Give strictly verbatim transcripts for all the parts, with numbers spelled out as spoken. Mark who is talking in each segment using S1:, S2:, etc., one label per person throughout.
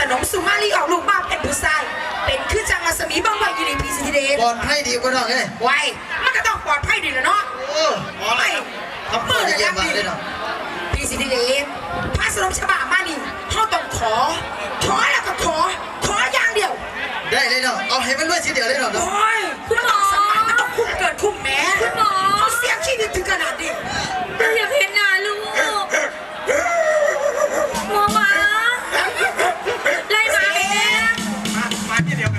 S1: นมสุมาลีออกลูกมาเป็นผู้ชายเป็นคือจังรัศมีบ้างไว้อยู่ในพีซีทีเดน
S2: ปลอดภัยดีกว่าน้องไง
S1: ไว้มันก็ต้องปลอดภัยดีแล้วเนาะ
S2: โอ้หมออะไรทำเพื่อจะเยี่ยมมากเลยเนาะ
S1: พีซีทีเดนพระสนมฉบับมานี่เขาต้องขอขอแล้วก็ขอขออย่างเดียว
S2: ได้เลยเนาะเอาให้มันด้วยทีเดียวเลยเนาะ
S1: โอ้ยคุณหมอสมัยมันต้องคุ้มเกินคุ้มแม้คุณหมอเขาเสียชีวิตถึงขนาดนี้
S3: อยากเห็นหน้าลูกหมอหมาไล่หมาไปเนี่ย
S4: มามาที่เดียวกัน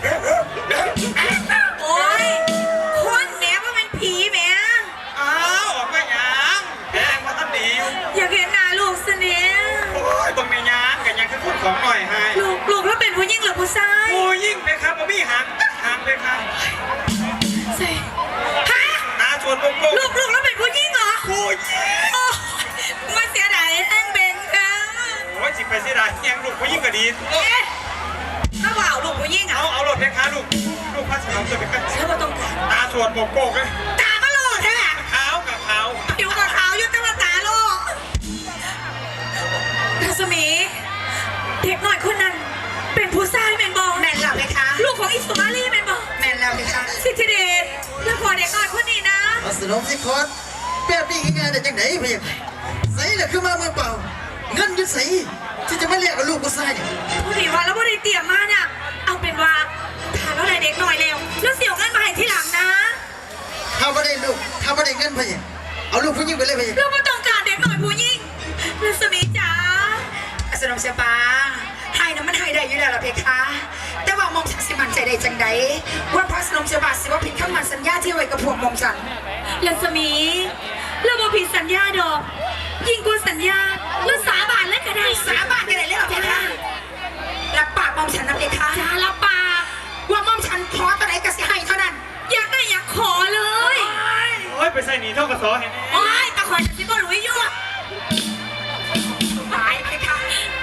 S3: โอ้ยคนแหมว่ามันผีแหม
S4: อ้าวออกมาหยังแดงมาตั้งดีอยู่
S3: อยากเห็นหน้าลูกสิเนี่ย
S4: โอ้ยบังเมียงกันยังคือคนของหน่อยให้
S3: ลูกลูกแล้วเป็นผู้หญิงหรือผู้ชาย
S4: โอ้ยิ่งเลยครับบ่มีหางหางเลยครับ
S3: ใช่ฮะ
S4: ตาชวนโกโก้
S3: ลูกลูกแล้วเป็นผู้หญิงเหรอ
S4: โอ้ย
S3: โอ้มาเสียดายแองเบงค่ะ
S4: โอ้ยจิไปเสียดายยังลูกผู้ยิ่งก็ดี
S3: เอ๊ะถ้าว่าเอาลูกผู้หญิงอ่ะ
S4: เอาเอารถเพคะลูกลูกพระสนมจะเป็นกัน
S3: เชื่อว่าต้องการ
S4: ตาชวนโกโก้เลย
S3: ตาก็โลดใช่ไหม
S4: ขาวกับขาว
S3: ผิวกับขาวยุติมาตาโลกรัศมีเด็กหน่อยคนนั้น เป็นผู้ชายแมนบอล
S1: แม่นแล้วไหมคะ
S3: ลูกของอิสมาลีแมนบอล
S1: แม่นแล้วไหมคะ
S3: สิทธิเดชแล้วพอเด็กน้อยคนนี้นะ
S2: เอาสนมสิคอร์ดแบบนี้ง่ายๆได้จังไหนเพียงใส่เลยคือมาเมืองเปล่าเงินยุดใส่ที่จะมาเรียกกับลูกกูใส่เนี่ย
S3: ผู้ดีว่าแล้วผู้ดีเตรียมมาน่ะเอาเป็นว่าถ้าเราได้เด็กหน่อยแล้วแล้วเสียเงินมาให้ทีหลังนะ
S2: ถ้าไม่ได้ลูกถ้าไม่ได้เงินเพียงเอาลูกผู้หญิงไปเลยเพียง
S3: เราไม่ต้องการเด็กหน่อยผู้หญิงรัศมีจ๋า
S1: สนมเสียปาให้นะมันให้ได้อยู่แล้วล่ะเพคะ แต่ว่ามองฉันสิมันใจได้จังใดว่าพระสนมเสียบาสิว่าผิดคำมันสัญญาที่ไว้กับพวกมองฉัน
S3: รัศมีเราบ่ผิดสัญญาดอก ยิ่งกว่าสัญญาแล้วสาบานเลยก็ได้
S1: สาบานกันเลยเหรอเพคะรับปากมองฉันนะเพคะ
S3: จ้าละปาก
S1: ว่ามองฉันขอตัวไหนก็สิให้เท่านั้น
S3: อยากได้อยากขอเลย
S4: โอ้ยไปใส่หนีเท่ากับสอเห็นไหม
S3: โอ้ยตะคอยจะซิบรู้อยู่
S1: ตายเพคะ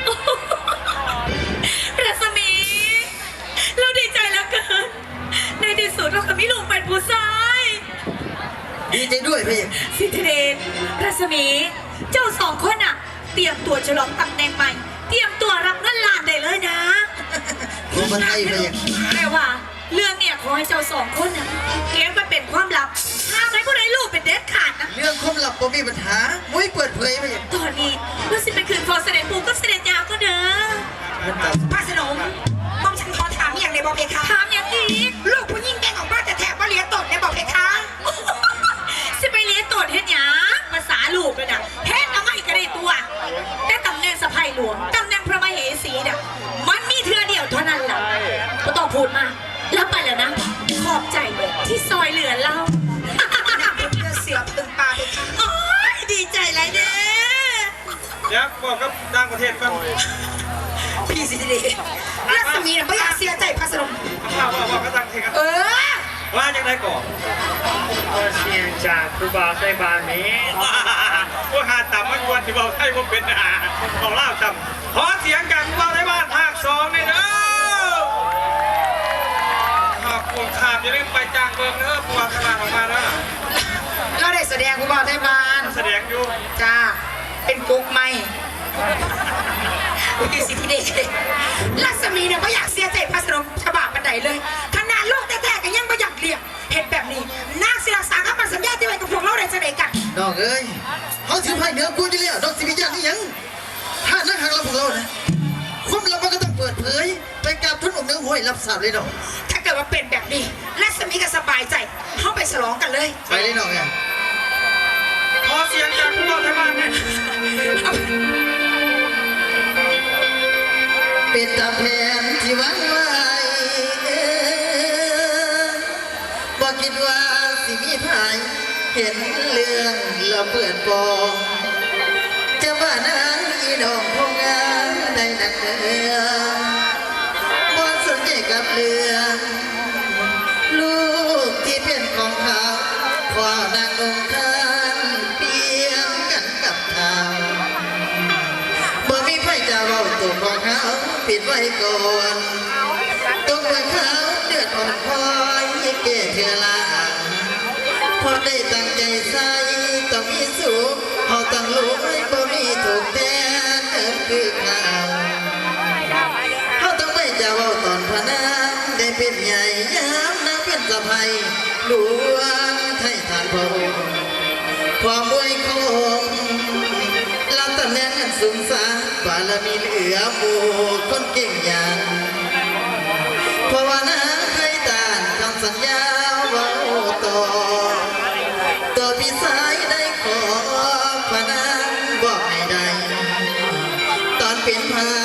S3: รัศมี เราดีใจแล้วเกิน ในที่สุดเราก็มีลูกเป็นผู้ชาย
S2: ดีใจด้วยเพียง
S3: สิทธิเดชรัศมี เจ้าสองคนอะเตรียมตัวฉลองตำแหน่งใหม่ เตรียมตัวรับเงินล้านได้เลยนะ
S2: ผมมาไทยเพียง
S3: แต่ว่าเรื่องเนี่ยขอให้เจ้าสองคนน่ะเก็บไว้เป็นความลับห้ามให้ผู้ใดรู้เป็นเด็ดขาดนะ
S2: เรื่องความลับผมมีปัญหามุ้ยเปิดเผยเพียง
S3: ตอนนี้เราสิไปคืนพอเสด็จปู่กับเสด็จยาวก็เด้อ
S2: มันจับ
S1: พระสนมมองฉันขอถามอย่างในบอกเพคะ
S3: ถามอย่างอีก
S1: ลูกผู้หญิงแกงออกมาแต่แถบว่าเลี้ยงตดในบอกเพคะ
S3: สิไปเลี้ยงตรวจเฮ็ดหยังภาษาลูกเลยนะเฮ็ดเอาไม่ก็ได้ตัวแต่ตำแหน่งสะพายหลวงตำแหน่งพระมเหสีน่ะมันมีเทือเดียวเท่านั้นแหละก็ต้องพูดมาแล้วไปแล้วนะ ขอบใจที่ซอยเหลือเรา
S1: เลือดเสือพึงปลาเพคะ
S3: โอ้ยดีใจเลยเด้
S4: เดี๋ยวบอกกับต่างประเทศก่อน
S1: พี่สิเดชรัศมีน่ะไม่อยากเสียใจพระสนม
S4: ว่าว่าว่ากับต่างประเทศกัน
S1: เออ
S4: ว่าจังไดก่อน
S5: เสียงจากครูบาไซบานนี้
S4: ว่าหาต่ำไม่ควรที่เราให้ผมเป็นอาของเล่าต่ำขอเสียงกันว่าในบ้านภาคสองเลยเด้อขอบคุณขาดอย่าลืมไปจ้างเบิร์เนอร์ปัวขนาดออกมาเด้อ
S1: เราได้แสดงคุณบอกได้บาน
S4: แสดงอยู่
S1: จ้าเป็นกุ๊กไหมพี่สิเดชรัศมีเนี่ยไม่อยากเสียใจพระสนมฉบับบันไดเลยขนาดลูกแท้ๆก็ยังไม่อยากเลี้ยงเห็นแบบนี้นางศิลาสาคำมันสัญญาที่ไว้กับพวกเราได้จะได้กัน
S2: น้องเอ้ยเขาถือไพ่เหนือกูอยู่แล้วน้องสิบิญาณนี่ยังถ้านักหักเราพวกเรานะความลับมันก็ต้องเปิดเผยไปกับทุนอกเนื้อห้วยรับทราบเลยน้อง
S1: ถ้าเกิดว่าเป็นแบบนี้รัศมีก็สบายใจเข้าไปฉลองกันเลย
S2: ไปเลยน้องไง
S4: ขอเสียงจากผู้ว่าไทยบ้านเนี่ย
S2: เป็นตามแผนที่หวังไว้บ่คิดว่าสิมีภายเห็นเรื่องละเปิดปองจะว่านางอีดอกพงงามได้นักเดือบ่สนใจกับเรื่องลูกที่เป็นของเขาขอนางองค์ท่านเปรียบกันกับเท้าบ่มีไผจะเว้าตัวของเขาปิดไว้ก่อนต้องเมื่อเขาเดือดอ่อนคอยเก่เธอลาพอได้ตั้งใจใส่ต้องมีสูงเขาต้องรู้บ่มีถูกแต่คือเขาสะพายหลวงไทยทานพระองค์ความมวยคงรับตำแหน่งอันสูงสาบารมีเหลือหมู่คนเก่งอย่างเพราะว่านาเคยต้านคำสัญญาเว่าต่อตัวพี่สายได้ขอพนันบอกให้ได้ตอนเป็นพา